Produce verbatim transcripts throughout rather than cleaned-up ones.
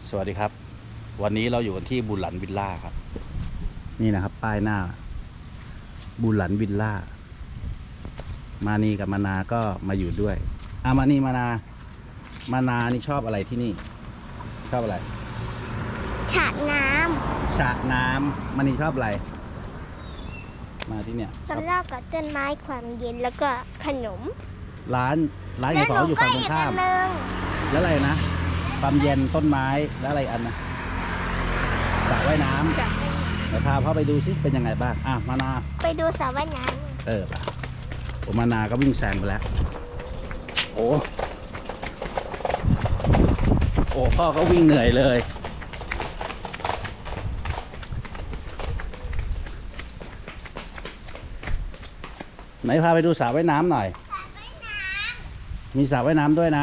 สวัสดีครับวันนี้เราอยู่กันที่บุหลันวิลล่าครับนี่นะครับป้ายหน้าบุหลันวิลล่ามานีกับมานาก็มาอยู่ด้วยอามานีมานามานานี่ชอบอะไรที่นี่ชอบอะไรฉะน้ำฉะน้ำมานีชอบอะไรมาที่เนี่ยสำหรับกับต้นไม้ความเย็นแล้วก็ขนมร้านร้านขายของอยู่ฝั่งตรงข้ามแล้วอะไรนะความเย็นต้นไม้แล้วอะไรอันนะสระว่ายน้ำเดี๋ยวพาพ่อไปดูซิเป็นยังไงบ้างอ่ะมานาไปดูสระว่ายน้ำเออป่ะผมมานาก็วิ่งแซงไปแล้วโอ้โอ้พ่อก็วิ่งเหนื่อยเลยไหนพาไปดูสระว่ายน้ำหน่อยมีสระว่ายน้ำด้วยนะ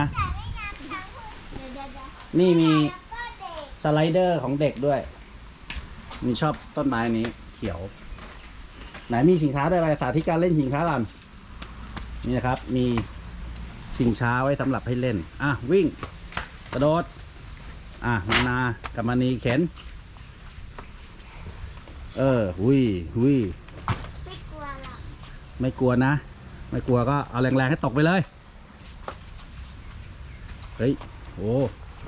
นี่มีสไลเดอร์ของเด็กด้วยมีชอบต้นไม้นี้เขียวไหนมีชิงช้าด้วยอะไรสาธิตการเล่นชิงช้าก่อนนี่นะครับมีชิงช้าไว้สำหรับให้เล่นอ่ะวิ่งกระโดดอ่ะมานากับมานีเข็นเออหุยหุยไม่กลัวหรอกไม่กลัวนะไม่กลัวก็เอาแรงๆให้ตกไปเลยเฮ้ยโอ้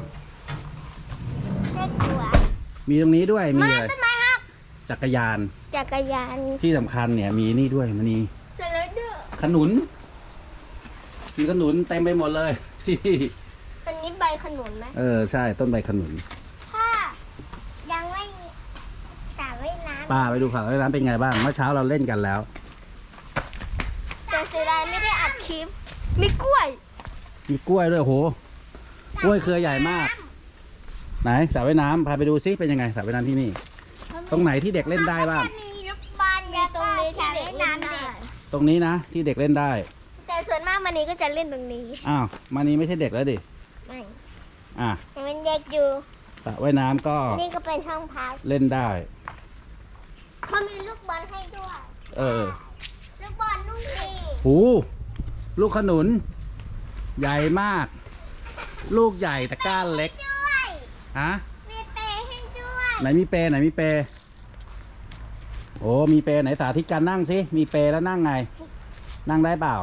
ไม่กลัวมีตรงนี้ด้วยมีเลยต้นไม้ครับจักรยานจักรยานที่สำคัญเนี่ยมีนี่ด้วยมันนี่สไลเดอร์ขนุนมีขนุนเต็มไปหมดเลยที่อันนี้ใบขนุนไหมเออใช่ต้นใบขนุนถ้ายังไม่สระว่ายน้ำป้าไปดูสระว่ายน้ำเป็นไงบ้างเมื่อเช้าเราเล่นกันแล้วแต่เสียดายไม่ได้อัดคลิปมีกล้วยมีกล้วยด้วยโหกล้วยเครือใหญ่มากไหนสระว่ายน้ำพาไปดูซิเป็นยังไงสระว่ายน้ำที่นี่ตรงไหนที่เด็กเล่นได้บ้างมีลูกบอลมีตรงนี้ที่เด็กเล่นได้ตรงนี้นะที่เด็กเล่นได้แต่ส่วนมากมันนี้ก็จะเล่นตรงนี้อ้าวมานี้ไม่ใช่เด็กแล้วดิไม่อ่ะยังเป็นเด็กอยู่สระว่ายน้ำก็นี่ก็เป็นช่องพักเล่นได้เขามีลูกบอลให้ด้วยเออลูกบอลลูกนี้หูลูกขนุนใหญ่มากลูกใหญ่แต่ก้านเล็กฮะมีเปย์ให้ด้วยไหนมีเปย์ไหนมีเปย์โอ้มีเปย์ไหนสาธิตการนั่งสิมีเปย์แล้วนั่งไงนั่งได้เปล่า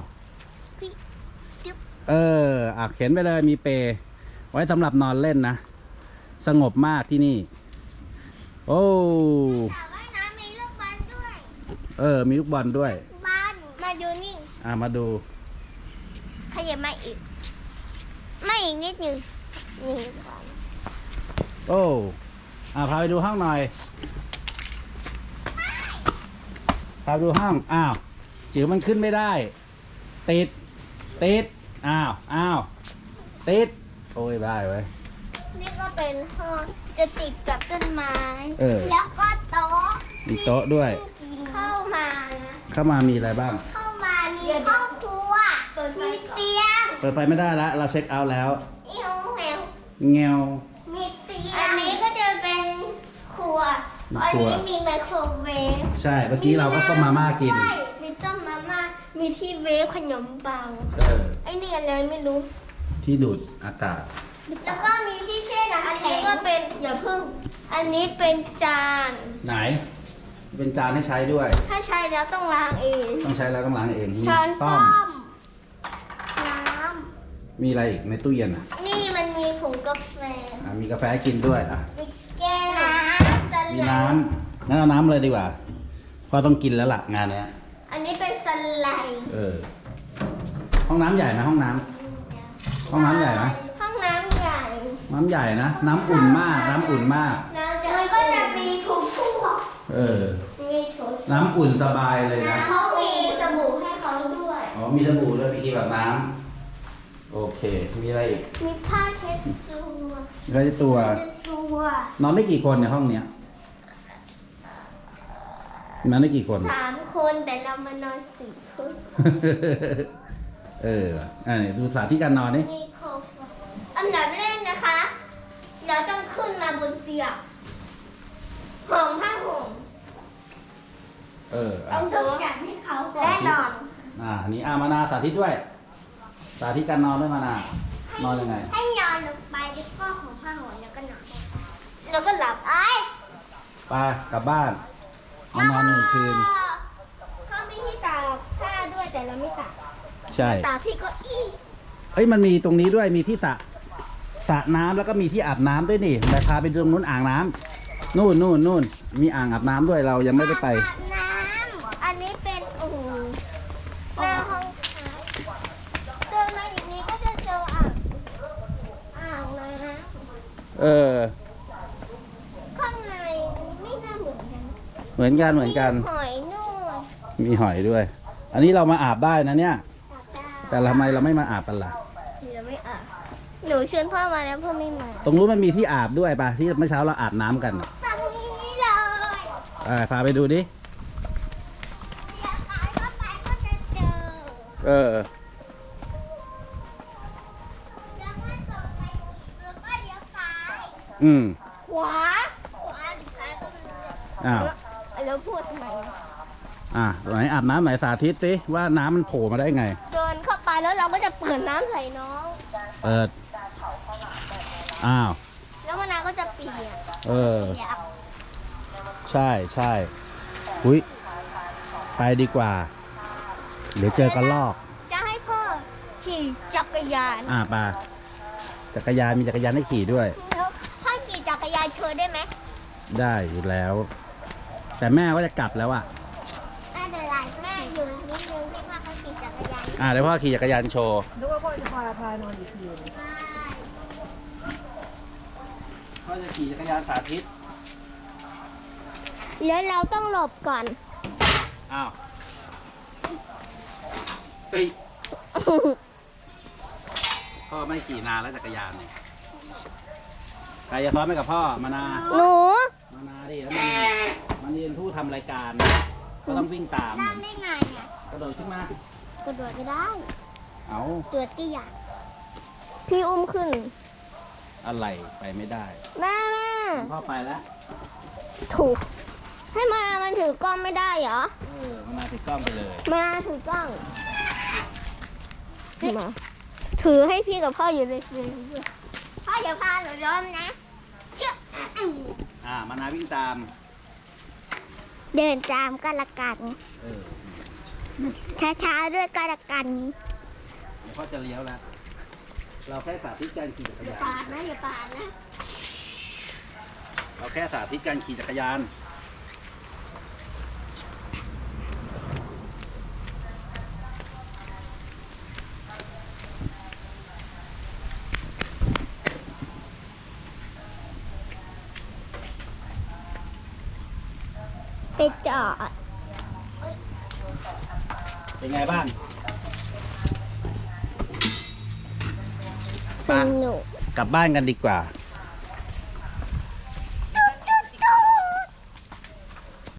เอออ่ะเข็นไปเลยมีเปย์ไว้สำหรับนอนเล่นนะสงบมากที่นี่โอ้มีลูกบอลด้วยเออมีลูกบอลด้วยบอลมาดูนี่อ่ะมาดูขยับมาอีกไม่อีกนิดนึงนี่โอ้อ่ะพาไปดูห้องหน่อยพาไปดูห้องอ้าวจิ๋วมันขึ้นไม่ได้ติดติดอ้าวอ้าวติดโอ้ยได้ไว้นี่ก็เป็นห้องจะติดกับต้นไม้แล้วก็โต๊ะมีโต๊ะด้วยเข้ามาเข้ามามีอะไรบ้างเข้ามามีห้องครัวมีเตียงเปิดไฟไม่ได้แล้วเราเช็คเอาท์แล้วเงี้ยวแมวเงี้ยวมีเตียงอันนี้ก็จะเป็นครัวอันนี้มีไมโครเวฟใช่เมื่อกี้เราก็ต้มมาม่ากินมีต้มมาม่ามีที่เวฟขนมปังเออไอ้นี่อะไรไม่รู้ที่ดูดอากาศแล้วก็มีที่แช่น้ำอันนี้ก็เป็นอย่าพึ่งอันนี้เป็นจานไหนเป็นจานให้ใช้ด้วยถ้าใช้แล้วต้องล้างเองต้องใช้แล้วต้องล้างเองช้อนส้อมน้ำมีอะไรอีกในตู้เย็นอ่ะนี่มันมีผงกาแฟอ่ะมีกาแฟกินด้วยอ่ะมีแก้วมีน้ำงั้นเอาน้ำเลยดีกว่าพอต้องกินแล้วล่ะงานเนี้ยอันนี้เป็นสไลด์เออห้องน้ำใหญ่ไหมห้องน้ำห้องน้ำใหญ่ไหมห้องน้ำใหญ่น้ำใหญ่นะน้ำอุ่นมากน้ำอุ่นมากมันก็จะมีถุงฟูเออน้ำอุ่นสบายเลยนะเขามีสบู่ให้เขาด้วยอ๋อมีสบู่ด้วยมีครีมแบบน้ำโอเคมีอะไรอีกมีผ้าเช็ดตัวผ้าเช็ดตัวนอนได้กี่คนในห้องเนี้ยนอนได้กี่คนสามคนแต่เรามานอนสี่คนเอออ่าดูสาธิตการนอนนี่อันดับแรกนะคะเราต้องขึ้นมาบนเตียงห่มผ้าห่มเออต้องทุกอย่างให้เขาแน่นอนอ่าอันนี้อามานาสาธิตด้วยสาธิตการนอนด้วยมานานอนยังไงให้นอนลงไปแล้วก็ห่มผ้าห่มแล้วก็นอนแล้วก็หลับไอ้ไปกลับบ้านเอานอนหนึ่งคืนเขามีที่ตากผ้าด้วยแต่เราไม่ตากใช่ตากพี่ก็อี้เอ้ยมันมีตรงนี้ด้วยมีที่สระสระน้ำแล้วก็มีที่อาบน้ำด้วยนี่แต่พาไปตรงนู้นอ่างน้ำนู่นนู่นนู่นมีอ่างอาบน้ำด้วยเรายังไม่ได้ไปอาบน้ำอันนี้เป็นโอ้โหหน้าห้องพักเดินมาอย่างนี้ก็จะเจออ่างอ่างน้เออำข้างในไม่น่าเหมือนกันเหมือนกันเหมือนกันหอยนู่นมีหอยด้วย อันนี้เรามาอาบได้นะเนี่ยตากได้แต่ทำไมเราไม่มาอาบกันล่ะเดี๋ยวไม่อาบหนูเชิญพ่อมาแล้วพ่อไม่มาตรงนู้นมันมีที่อาบด้วยป่ะที่เมื่อเช้าเราอาบน้ำกันน่ะตรงนี้เลยเออพาไปดูดิเดี๋ยวซ้ายก็ไปก็จะเจอเออแล้วก็ตรงไปแล้วก็เลี้ยวซ้ายอืมขวาขวาหรือซ้ายก็ไม่รู้อ้าวแล้วพูดทำไมอ่ะไหนอาบน้ำไหนสาธิตสิว่าน้ำมันโผล่มาได้ไงเดินเข้าไปแล้วเราก็จะเปิดน้ำใส่น้องเปิด อ้าวแล้วมะนาวก็จะเปียกเออเปียกใช่ใช่อุ้ยไปดีกว่า เดี๋ยวเจอกันลอกจะให้พ่อขี่จักรยานอ่าปาจักรยานมีจักรยานให้ขี่ด้วยแล้วพ่อขี่จักรยานโชว์ได้ไหมได้อยู่แล้ว แต่แม่ก็จะกลับแล้วอ่ะไม่เป็นไรแม่อยู่นิดนึงที่พ่อเขาขี่จักรยานอ่าเดี๋ยวพ่อขี่จักรยานโชว์นึกว่าพ่อจะพาพานอนอีกทีพ่อจะขี่จักรยานสาธิตแล้วเราต้องหลบก่อนอ้าวเฮ้ยพ่อไม่ขี่นานแล้วจักรยานเนี่ยใครจะซ้อนไปกับพ่อมานาหนูมานาดิแล้วมันมันเรียนผู้ทำรายการ ก็ต้องวิ่งตามนั่งได้ไงอ่ะกระโดดขึ้นมากระโดดไม่ได้เอาตัวเตี้ยพี่อุ้มขึ้นอะไรไปไม่ได้แม่แม่พ่อไปแล้วถูก ให้มานามันถือกล้องไม่ได้เหรอเออมานาติดกล้องไปเลยมานาถือกล้องมาถือให้พี่กับพ่ออยู่เลยพ่ออย่าพาหนูล้มนะเชื่ออ่ามานาวิ่งตามเดินตามกันละกันเออช้าๆด้วยกันละกันเดี๋ยวพ่อจะเลี้ยวแล้ว เราแค่สาธิตการขี่จักรอย่ายานปาดนะอย่าปาดนะเราแค่สาธิตการขี่จักรยานไปจอดเป็นไงบ้างสนุกกลับบ้านกันดีกว่า